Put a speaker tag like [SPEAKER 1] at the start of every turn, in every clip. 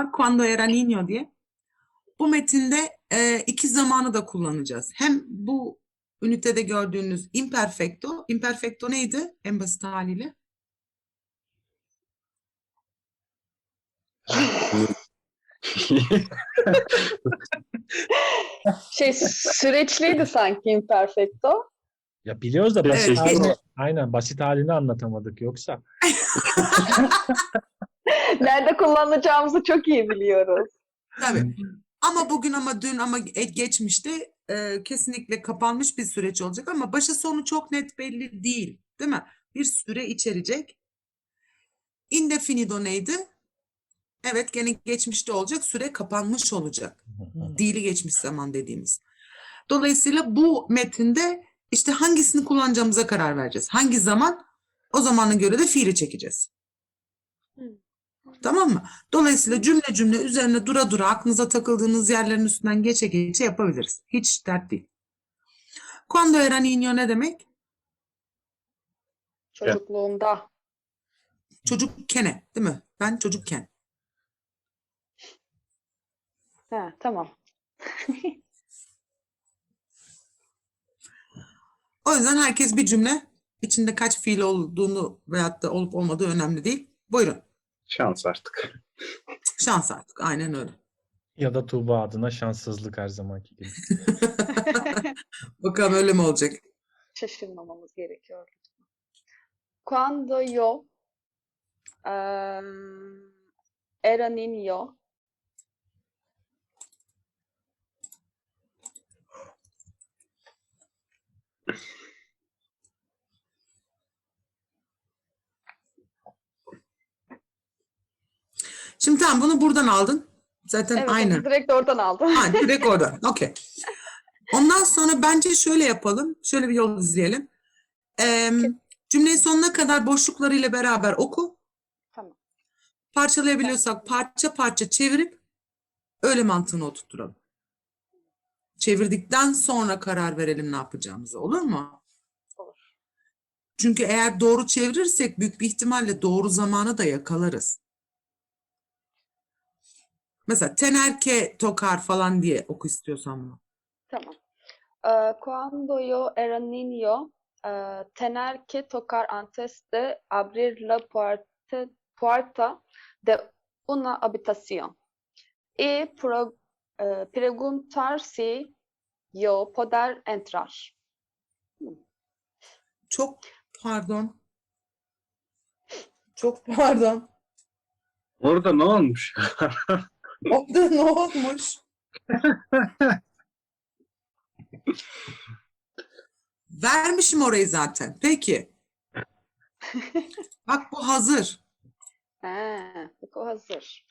[SPEAKER 1] var quando era niño diye. Bu metinde iki zamanı da kullanacağız. Hem bu ünitede gördüğünüz imperfecto. Imperfecto neydi en basit haliyle?
[SPEAKER 2] Süreçliydi sanki imperfecto.
[SPEAKER 3] Ya biliyoruz da basit
[SPEAKER 1] Evet,
[SPEAKER 3] halini, aynen basit halini anlatamadık yoksa.
[SPEAKER 2] Nerede kullanacağımızı çok iyi biliyoruz.
[SPEAKER 1] tabii. Ama bugün ama dün ama geçmişte kesinlikle kapanmış bir süreç olacak ama başı sonu çok net belli değil, değil mi? Bir süre içerecek. Indefinido neydi? Evet, gene geçmişte olacak, süre kapanmış olacak. Dili geçmiş zaman dediğimiz. Dolayısıyla bu metinde işte hangisini kullanacağımıza karar vereceğiz. Hangi zaman? O zamana göre de fiili çekeceğiz. Tamam mı? Dolayısıyla cümle cümle üzerine dura dura aklınıza takıldığınız yerlerin üstünden geçe geçe yapabiliriz. Hiç dert değil. Cuando era niño ne demek?
[SPEAKER 2] Çocukluğumda.
[SPEAKER 1] Çocukkene, değil mi? Ben çocukken.
[SPEAKER 2] Ha, tamam.
[SPEAKER 1] O yüzden herkes bir cümle, içinde kaç fiil olduğunu veyahut da olup olmadığı önemli değil. Buyurun.
[SPEAKER 4] Şans artık.
[SPEAKER 1] Şans artık. Aynen öyle.
[SPEAKER 3] Ya da Tuğba adına şanssızlık her zamanki gibi.
[SPEAKER 1] Bakalım öyle mi olacak?
[SPEAKER 2] Şaşırmamamız gerekiyor. Cuando yo era niño,
[SPEAKER 1] Şimdi tamam, bunu buradan aldın. Zaten
[SPEAKER 2] evet,
[SPEAKER 1] aynı.
[SPEAKER 2] onu direkt oradan aldım.
[SPEAKER 1] Ha, direkt oradan. Okey. Ondan sonra bence şöyle yapalım. Şöyle bir yol izleyelim. Cümleyi sonuna kadar boşluklarıyla beraber oku.
[SPEAKER 2] Tamam.
[SPEAKER 1] Parçalayabiliyorsak parça parça çevirip öyle mantığını oturtturalım. Çevirdikten sonra karar verelim ne yapacağımızı. Olur mu?
[SPEAKER 2] Olur.
[SPEAKER 1] Çünkü eğer doğru çevirirsek büyük bir ihtimalle doğru zamanı da yakalarız. Mesela tener que tocar falan diye oku istiyorsan bunu.
[SPEAKER 2] Tamam. Cuando yo era niño, tener que tocar antes de abrir la puerta de una habitación y preguntar si yo poder entrar.
[SPEAKER 1] Çok pardon. Çok pardon.
[SPEAKER 4] Orada ne olmuş?
[SPEAKER 1] Orada ne olmuş? Vermişim orayı zaten. Peki. Bak bu hazır.
[SPEAKER 2] Bak o hazır.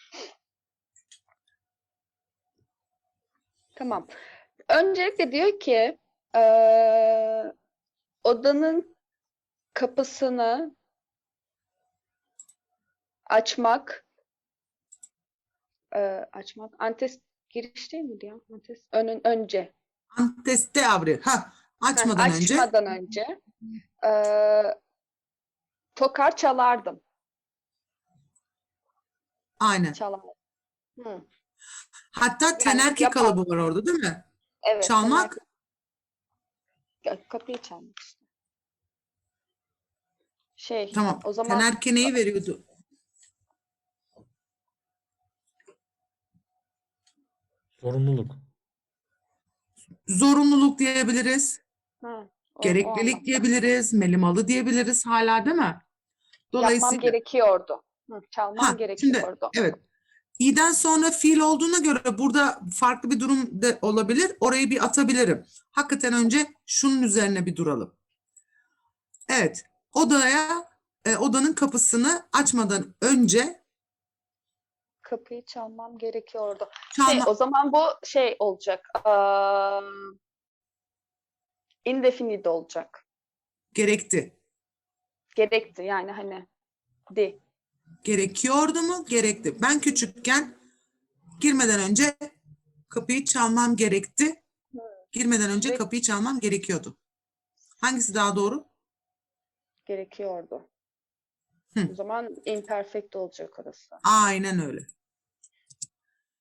[SPEAKER 2] Tamam. Öncelikle diyor ki odanın kapısını açmak antes giriş değil miydi ya? Antes önce.
[SPEAKER 1] Antes de abrir. Ha, açmadan önce.
[SPEAKER 2] Açmadan önce tokar çalardım.
[SPEAKER 1] Aynen.
[SPEAKER 2] Çalardım. Hı.
[SPEAKER 1] Hatta tenerke
[SPEAKER 2] yapardım.
[SPEAKER 1] kalıbı var orada, değil mi?
[SPEAKER 2] Evet.
[SPEAKER 1] Çalmak.
[SPEAKER 2] Kapıyı çalmak işte.
[SPEAKER 1] Tamam.
[SPEAKER 2] O zaman
[SPEAKER 1] Tenerke neyi veriyordu?
[SPEAKER 3] Sorumluluk.
[SPEAKER 1] Zorunluluk diyebiliriz.
[SPEAKER 2] o
[SPEAKER 1] Gereklilik
[SPEAKER 2] anlamda.
[SPEAKER 1] diyebiliriz. Melimalı diyebiliriz hala, değil mi?
[SPEAKER 2] Yapmam
[SPEAKER 1] Dolayısıyla
[SPEAKER 2] gerekiyordu. Çalmam gerekiyordu.
[SPEAKER 1] şimdi evet. İ'den sonra fiil olduğuna göre burada farklı bir durum da olabilir. Orayı bir atabilirim. Hakikaten önce şunun üzerine bir duralım. Evet. Odanın kapısını açmadan önce
[SPEAKER 2] Kapıyı çalmam gerekiyordu.
[SPEAKER 1] çalma
[SPEAKER 2] O zaman bu olacak. Indefinido olacak.
[SPEAKER 1] gerekti.
[SPEAKER 2] Gerekti yani hani di.
[SPEAKER 1] Gerekiyordu mu? Gerekti. Ben küçükken girmeden önce kapıyı çalmam gerekti. Girmeden önce kapıyı çalmam gerekiyordu. Hangisi daha doğru?
[SPEAKER 2] Gerekiyordu.
[SPEAKER 1] Hı.
[SPEAKER 2] O zaman imperfect olacak orası.
[SPEAKER 1] Aynen öyle.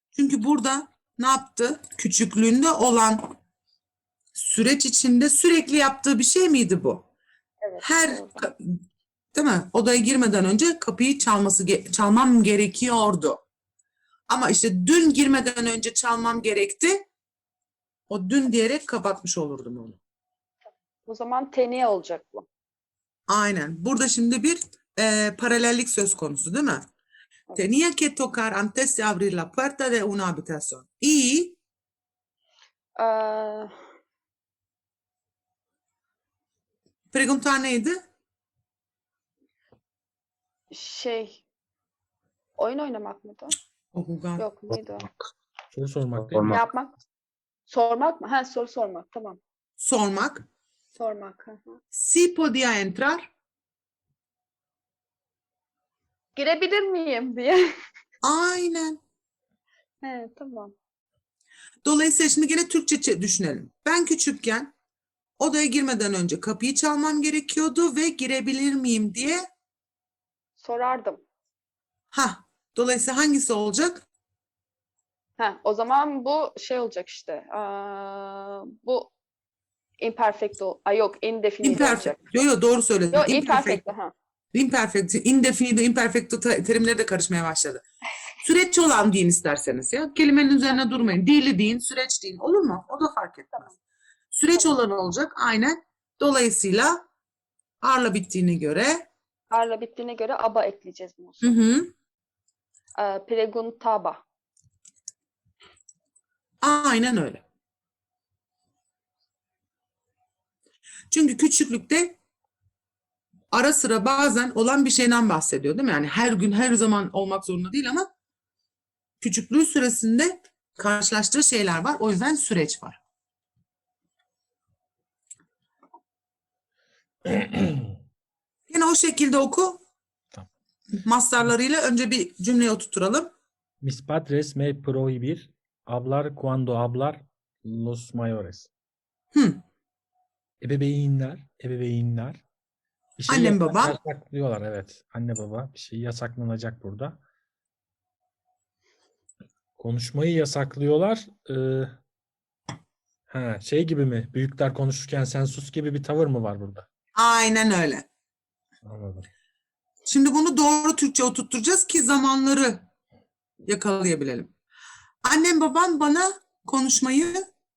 [SPEAKER 1] Çünkü burada ne yaptı? Küçüklüğünde olan süreç içinde sürekli yaptığı bir şey miydi bu?
[SPEAKER 2] Evet.
[SPEAKER 1] Her
[SPEAKER 2] doğru.
[SPEAKER 1] değil mi? Odaya girmeden önce kapıyı çalmam gerekiyordu. Ama işte dün girmeden önce çalmam gerekti. O dün diyerek kapatmış olurdum onu.
[SPEAKER 2] O zaman teneye olacak bu.
[SPEAKER 1] Aynen. Burada şimdi bir paralellik söz konusu değil mi?
[SPEAKER 2] Evet.
[SPEAKER 1] Tenía que tocar antes de abrir la puerta de una habitación. Y
[SPEAKER 2] Ee,
[SPEAKER 1] preguntar neydi?
[SPEAKER 2] oyun oynamak mıydı?
[SPEAKER 1] O jugar.
[SPEAKER 2] Yok neydi o?
[SPEAKER 3] Soru sormak değil mi?
[SPEAKER 2] Ne
[SPEAKER 4] Sormak.
[SPEAKER 2] yapmak? Sormak mı? Ha, soru sormak. Tamam.
[SPEAKER 1] Sormak.
[SPEAKER 2] Sormak. Hı hı.
[SPEAKER 1] Si podía entrar.
[SPEAKER 2] Girebilir miyim diye.
[SPEAKER 1] Aynen.
[SPEAKER 2] He, tamam.
[SPEAKER 1] Dolayısıyla şimdi gene Türkçe düşünelim. Ben küçükken odaya girmeden önce kapıyı çalmam gerekiyordu ve girebilir miyim diye.
[SPEAKER 2] Sorardım.
[SPEAKER 1] Dolayısıyla hangisi olacak?
[SPEAKER 2] O zaman bu olacak işte. Bu imperfecto. Ay yok, indefinite olacak.
[SPEAKER 1] Imperfect. Yo doğru söyledin.
[SPEAKER 2] Yok,
[SPEAKER 1] Imperfect.
[SPEAKER 2] imperfecto. Ha.
[SPEAKER 1] Imperfect, indefinido, imperfecto terimleri de karışmaya başladı. Süreç olan deyin isterseniz ya. Kelimenin üzerine durmayın. Dili deyin, süreç deyin. Olur mu? O da fark etmez.
[SPEAKER 2] Tamam.
[SPEAKER 1] Süreç olan olacak. Aynen. Dolayısıyla arla bittiğine göre
[SPEAKER 2] Arla bittiğine göre aba ekleyeceğiz bunu.
[SPEAKER 1] hı hı,
[SPEAKER 2] Preguntaba.
[SPEAKER 1] aynen öyle. Çünkü küçüklükte ara sıra bazen olan bir şeyden bahsediyor değil mi? Yani her gün her zaman olmak zorunda değil ama küçüklüğü süresinde karşılaştığı şeyler var. O yüzden süreç var. Yine o şekilde oku.
[SPEAKER 3] Tamam.
[SPEAKER 1] Mastarlarıyla önce bir cümleye oturturalım.
[SPEAKER 3] Mis padres me prohibir hablar cuando hablar los mayores.
[SPEAKER 1] Hı.
[SPEAKER 3] Ebeveynler bir şeyi
[SPEAKER 1] Annem babam.
[SPEAKER 3] yasaklıyorlar, evet. Anne baba bir şeyi yasaklanacak burada. Konuşmayı yasaklıyorlar. Şey gibi mi? Büyükler konuşurken sen sus gibi bir tavır mı var burada?
[SPEAKER 1] Aynen öyle.
[SPEAKER 3] Anladım.
[SPEAKER 1] Şimdi bunu doğru Türkçe oturtturacağız ki zamanları yakalayabilelim. Annem babam bana konuşmayı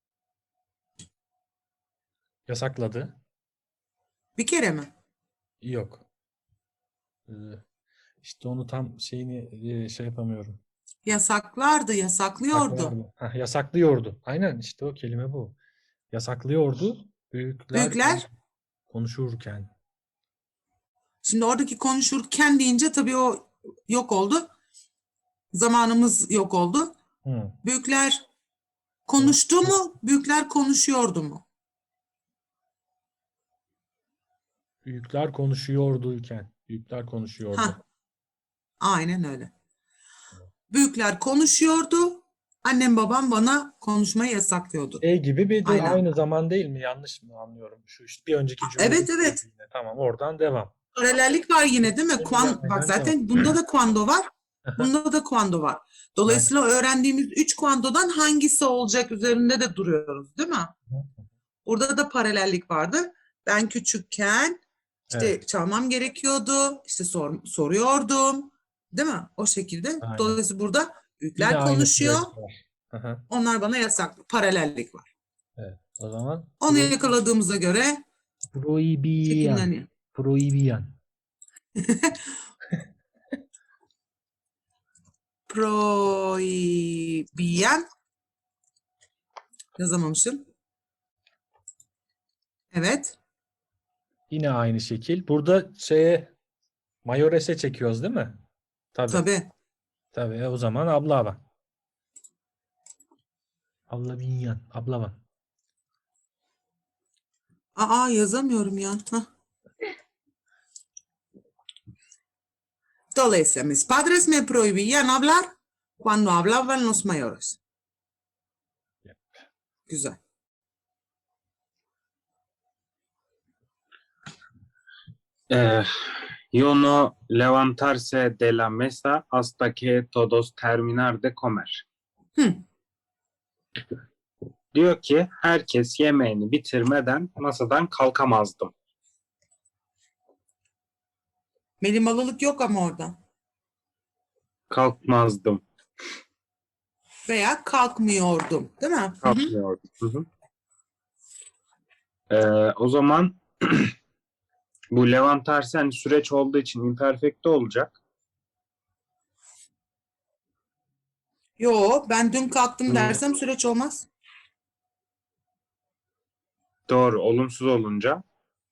[SPEAKER 3] Yasakladı.
[SPEAKER 1] bir kere mi?
[SPEAKER 3] Yok. Ee, işte onu tam şey yapamıyorum.
[SPEAKER 1] Yasaklardı, yasaklıyordu.
[SPEAKER 3] Saklardı. Yasaklıyordu. Aynen işte o kelime bu. Yasaklıyordu. Büyükler
[SPEAKER 1] Büyükler,
[SPEAKER 3] konuşurken.
[SPEAKER 1] şimdi oradaki konuşurken deyince tabii o yok oldu. Zamanımız yok oldu.
[SPEAKER 3] Hı.
[SPEAKER 1] Büyükler konuştu mu? Büyükler konuşuyordu mu?
[SPEAKER 3] Büyükler konuşuyorduyken. Büyükler konuşuyordu.
[SPEAKER 1] Ha, aynen öyle. Büyükler konuşuyordu. Annem babam bana konuşmayı yasaklıyordu.
[SPEAKER 3] Gibi bir de
[SPEAKER 1] Aynen.
[SPEAKER 3] aynı zaman değil mi? Yanlış mı anlıyorum? Şu işte bir önceki cümle.
[SPEAKER 1] Evet, evet.
[SPEAKER 3] Tamam, oradan devam.
[SPEAKER 1] Paralellik var yine değil mi?
[SPEAKER 3] Aynen,
[SPEAKER 1] Bak zaten bunda da quando var. Bunda da quando var. Dolayısıyla öğrendiğimiz 3 quando'dan hangisi olacak üzerinde de duruyoruz değil mi? Burada da paralellik vardı. Ben küçükken işte
[SPEAKER 3] Evet.
[SPEAKER 1] çalmam gerekiyordu. İşte soruyordum. Değil mi? O şekilde.
[SPEAKER 3] Aynen.
[SPEAKER 1] Dolayısıyla burada
[SPEAKER 3] Yine
[SPEAKER 1] büyükler
[SPEAKER 3] aynı
[SPEAKER 1] konuşuyor.
[SPEAKER 3] süreç var. Aha,
[SPEAKER 1] Onlar bana yasak. Paralellik var.
[SPEAKER 3] evet. O zaman
[SPEAKER 1] Onu yakaladığımıza göre
[SPEAKER 3] prohibiyan.
[SPEAKER 1] şekilleniyor.
[SPEAKER 3] Prohibiyan.
[SPEAKER 1] Prohibiyan. Yazamamışım. Evet.
[SPEAKER 3] Yine aynı şekil. Burada mayores'e çekiyoruz değil mi? Tabii.
[SPEAKER 1] Tabii.
[SPEAKER 3] Tabii. O zaman ablava. Ablavinyan. Ablava.
[SPEAKER 1] Aa yazamıyorum ya. Hah. Dolayısıyla mis padres me prohibían hablar cuando hablaban los mayores. Güzel.
[SPEAKER 4] Yo no levantarse de la mesa hasta que todos terminar de comer.
[SPEAKER 1] Hı.
[SPEAKER 4] Diyor ki herkes yemeğini bitirmeden masadan kalkamazdım.
[SPEAKER 1] Melimalılık yok ama orada.
[SPEAKER 4] Kalkmazdım.
[SPEAKER 1] Veya kalkmıyordum. Değil mi? Hı hı.
[SPEAKER 4] Kalkmıyordum. Hı hı. O zaman bu Levant tersi hani süreç olduğu için imperfecto olacak.
[SPEAKER 1] Yo, ben dün kalktım
[SPEAKER 4] Hı.
[SPEAKER 1] dersem süreç olmaz.
[SPEAKER 4] Doğru. Olumsuz olunca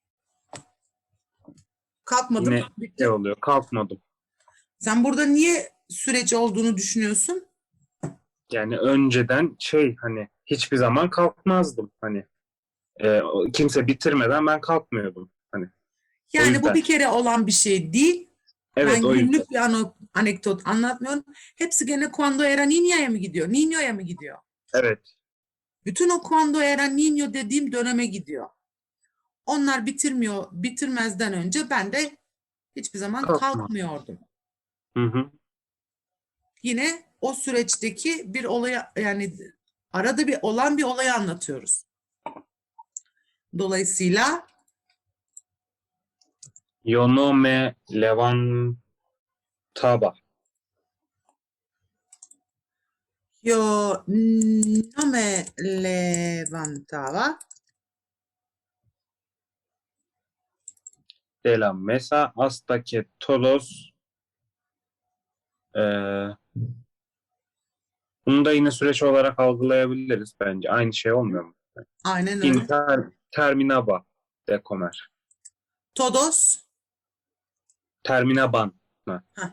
[SPEAKER 1] Kalkmadım.
[SPEAKER 4] yine
[SPEAKER 1] Bitti.
[SPEAKER 4] şey oluyor. Kalkmadım.
[SPEAKER 1] Sen burada niye süreç olduğunu düşünüyorsun?
[SPEAKER 4] Yani önceden şey hani hiçbir zaman kalkmazdım. Hani kimse bitirmeden ben kalkmıyordum. Hani o
[SPEAKER 1] Yani bu
[SPEAKER 4] yüzden.
[SPEAKER 1] bir kere olan bir şey değil.
[SPEAKER 4] Evet,
[SPEAKER 1] Ben
[SPEAKER 4] o yüzden.
[SPEAKER 1] günlük bir anekdot anlatmıyorum. Hepsi gene Cuando era niña'ya mı gidiyor? Niño'ya mı gidiyor?
[SPEAKER 4] Evet.
[SPEAKER 1] Bütün o Cuando era niño dediğim döneme gidiyor. Onlar bitirmezden önce ben de hiçbir zaman
[SPEAKER 4] Kalkma.
[SPEAKER 1] kalkmıyordum.
[SPEAKER 4] Hı hı.
[SPEAKER 1] Yine o süreçteki bir olayı, yani arada bir olan bir olayı anlatıyoruz. Dolayısıyla
[SPEAKER 4] Yo no me levantaba
[SPEAKER 1] yo no me levantaba
[SPEAKER 4] de la mesa hasta que todos e, bunu da yine süreç olarak algılayabiliriz bence. Aynı şey olmuyor mu?
[SPEAKER 1] aynen öyle.
[SPEAKER 4] Terminaba de comer.
[SPEAKER 1] Todos.
[SPEAKER 4] Terminaban.
[SPEAKER 1] Heh.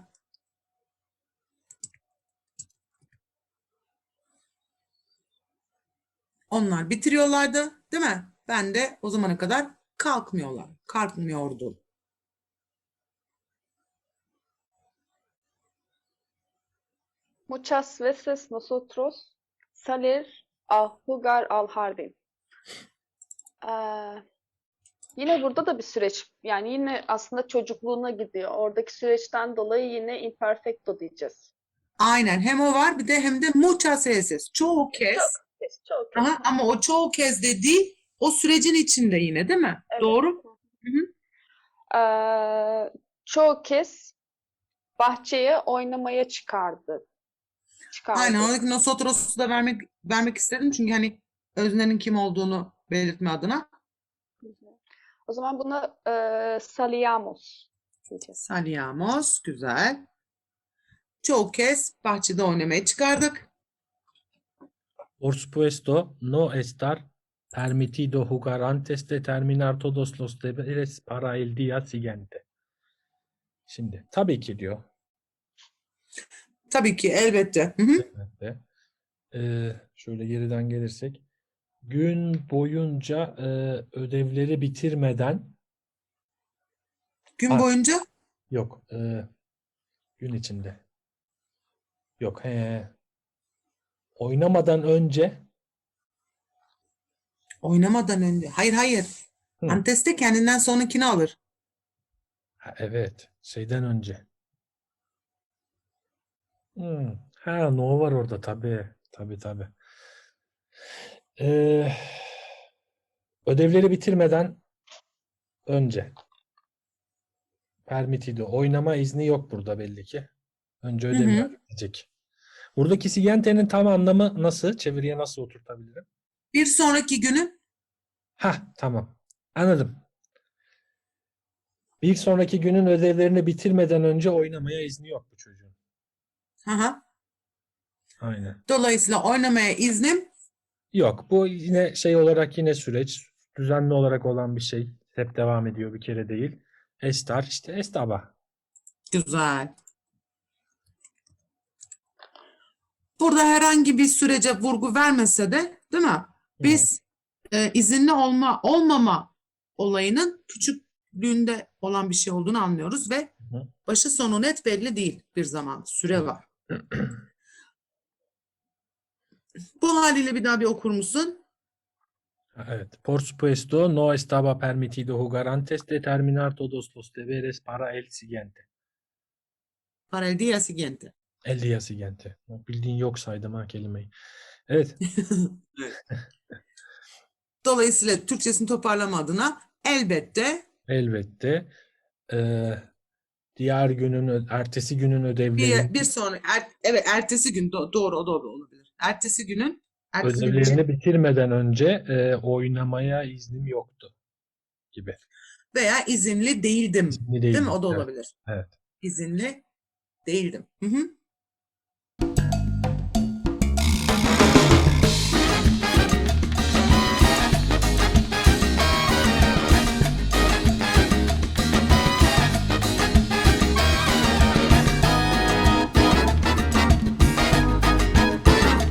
[SPEAKER 1] Onlar bitiriyorlardı, değil mi? Ben de o zamana kadar kalkmıyordum.
[SPEAKER 2] Muchas veces nosotros salir a jugar al jardín. Ee, Yine burada da bir süreç. Yani yine aslında çocukluğuna gidiyor. Oradaki süreçten dolayı yine imperfecto diyeceğiz.
[SPEAKER 1] Aynen, hem o var bir de hem de muchas veces. Çoğu kez.
[SPEAKER 2] Çok kez.
[SPEAKER 1] Aha, ama o çoğu kez dediği o sürecin içinde yine, değil mi?
[SPEAKER 2] Evet.
[SPEAKER 1] Doğru. Hı hı.
[SPEAKER 2] Çoğu kez bahçeye oynamaya çıkardı.
[SPEAKER 1] Aynen,
[SPEAKER 2] Çıkardı.
[SPEAKER 1] oradaki nosotros'u da vermek istedim çünkü hani öznenin kim olduğunu belirtme adına.
[SPEAKER 2] O zaman buna salíamos diyeceğiz.
[SPEAKER 1] Salíamos, güzel. Çoğu kez bahçede oynamaya çıkardık.
[SPEAKER 3] Por supuesto, no estar permitido jugar antes de terminar todos los deberes para el día siguiente. Şimdi tabii ki diyor.
[SPEAKER 1] Tabii ki, elbette. Hı hı.
[SPEAKER 3] Elbette. Şöyle geriden gelirsek. Gün boyunca ödevleri bitirmeden
[SPEAKER 1] Gün boyunca
[SPEAKER 3] yok. Gün içinde. Yok. Oynamadan önce
[SPEAKER 1] oynamadan önce. Hayır.
[SPEAKER 3] Hı.
[SPEAKER 1] Antes de kendinden sonrakini alır.
[SPEAKER 3] Evet. Şeyden önce. No var orada tabii. Tabii. Ee, Ödevleri bitirmeden önce. Permitido. Oynama izni yok burada belli ki. Önce
[SPEAKER 1] Hı
[SPEAKER 3] ödevler
[SPEAKER 1] hı.
[SPEAKER 3] bitecek. Buradaki siguiente'nin tam anlamı nasıl? Çeviriye nasıl oturtabilirim?
[SPEAKER 1] Bir sonraki günün
[SPEAKER 3] Tamam. Anladım. Bir sonraki günün ödevlerini bitirmeden önce oynamaya izni yok bu çocuğun.
[SPEAKER 1] aha.
[SPEAKER 3] Aynen.
[SPEAKER 1] Dolayısıyla oynamaya iznim
[SPEAKER 3] Yok. Bu yine şey olarak yine süreç. Düzenli olarak olan bir şey. Hep devam ediyor, bir kere değil. Estar işte estaba.
[SPEAKER 1] güzel. Burada herhangi bir sürece vurgu vermese de, değil mi? Biz izinli olmama olayının küçüklüğünde olan bir şey olduğunu anlıyoruz ve
[SPEAKER 3] Hı.
[SPEAKER 1] başı sonu net belli değil bir zaman. Süre var. Bu haliyle bir daha bir okur musun?
[SPEAKER 3] Evet. Por supuesto, no estaba permitido jugar antes de terminar todos los deberes para el siguiente.
[SPEAKER 1] Para el día siguiente.
[SPEAKER 3] El día siguiente. Bildiğin yok saydım ha kelimeyi. Evet.
[SPEAKER 1] Dolayısıyla Türkçesini toparlama adına elbette
[SPEAKER 3] Elbette. Diğer günün, ertesi günün ödevlerini
[SPEAKER 1] bir sonra evet ertesi gün doğru o doğru olabilir. Ertesi gün için
[SPEAKER 3] ödevlerini bitirmeden önce oynamaya iznim yoktu gibi.
[SPEAKER 1] veya izinli değildim.
[SPEAKER 3] İzinli
[SPEAKER 1] Değil mi?
[SPEAKER 3] değildim.
[SPEAKER 1] O da
[SPEAKER 3] Evet.
[SPEAKER 1] olabilir.
[SPEAKER 3] Evet.
[SPEAKER 1] İzinli değildim. Hı hı.